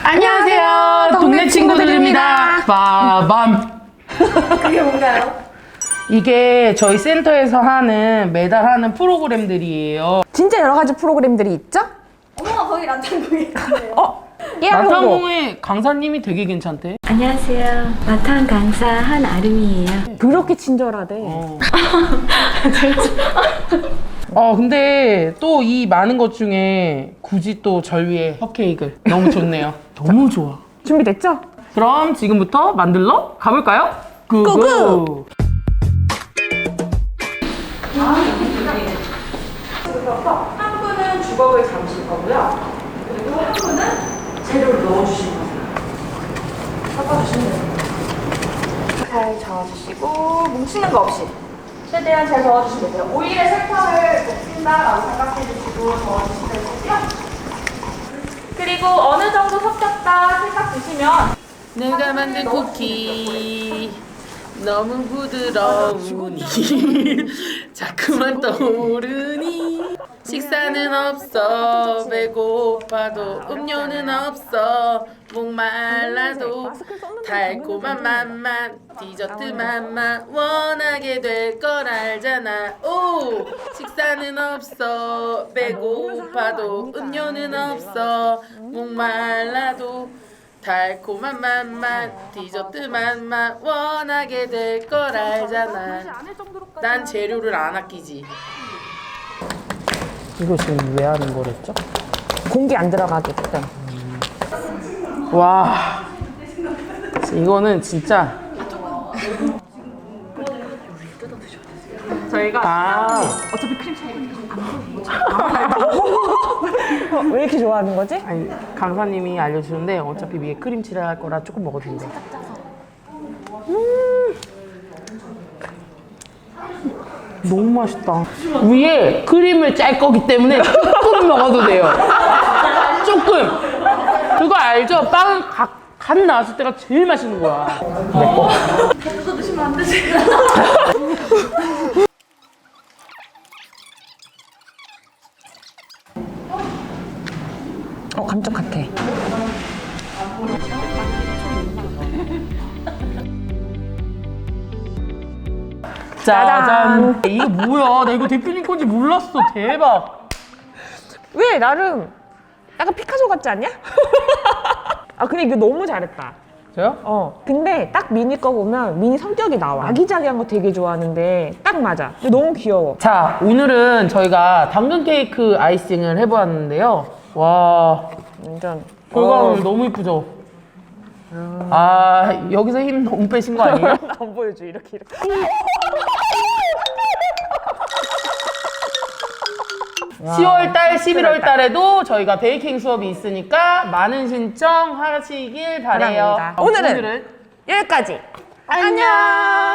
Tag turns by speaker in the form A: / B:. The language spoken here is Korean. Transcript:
A: 안녕하세요. 동네 친구들입니다. 빠밤.
B: 그게 뭔가요?
A: 이게 저희 센터에서 하는 매달 하는 프로그램들이에요.
B: 진짜 여러 가지 프로그램들이 있죠?
C: 어머, 거기 난창고에 있네요.
A: 난탄공의 강사님이 되게 괜찮대.
D: 안녕하세요. 마탄 강사 한아름이에요.
B: 그렇게 친절하대.
A: 근데 또 이 많은 것 중에 굳이 또 절 위해 컵케이크를 너무 좋네요. 너무 좋아.
B: 준비됐죠?
A: 그럼 지금부터 만들러 가볼까요? 고고! 한 분은 주걱을 잡으실 거고요. 그리고 한 분은 재료를 넣어주실 거예요. 섞어주시면 됩니다. 잘 저어주시고 뭉치는 거 없이 최대한 잘 저어주시면 돼요. 오일에 설탕을 녹인다라고 생각해주시고 저어주시면 되고요. 그리고 어느 정도 섞였다 생각 드시면 내가 만든 쿠키 너무 부드러우니 자꾸만 떠오르니 식사는 없어 배고파도 음료는 없어 목말라도 달콤한 맛만 디저트 맛만 원하게 될 걸 알잖아. 오 식사는 없어 배고파도 음료는 없어 목말라도 달콤한 맛만 디저트 맛만 원하게 될 걸 알잖아. 난 재료를 안 아끼지. 이거 지금 왜 하는 거랬죠?
B: 공기 안 들어가게끔.
A: 와 이거는 진짜 저희가 어차피 크림
B: 왜 이렇게 좋아하는 거지?
A: 아니 강사님이 알려주는데 어차피 위에 크림칠을 할 거라 조금 먹어도 된대. 너무 맛있다. 위에 크림을 짤 거기 때문에 조금 먹어도 돼요. 조금. 그거 알죠? 빵은 간 나왔을 때가 제일 맛있는 거야.
C: 더 드시면 안 되지.
B: 깜짝같아.
A: 짜잔. 이거 뭐야? 나 이거 대표님 건지 몰랐어. 대박.
B: 왜 나름 약간 피카소 같지 않냐? 근데 이거 너무 잘했다.
A: 저요?
B: 근데 딱 미니 거 보면 미니 성격이 나와. 아기자기한 거 되게 좋아하는데 딱 맞아. 근데 너무 귀여워.
A: 자, 오늘은 저희가 당근 케이크 아이싱을 해보았는데요. 와,
B: 완전.
A: 결과물 너무 이쁘죠? 여기서 힘 너무 빼신 거 아니에요?
B: 안 보여줘. 이렇게.
A: 10월달, 11월달에도 저희가 베이킹 수업이 있으니까 많은 신청 하시길 바래요.
B: 바랍니다. 오늘은 여기까지. 안녕.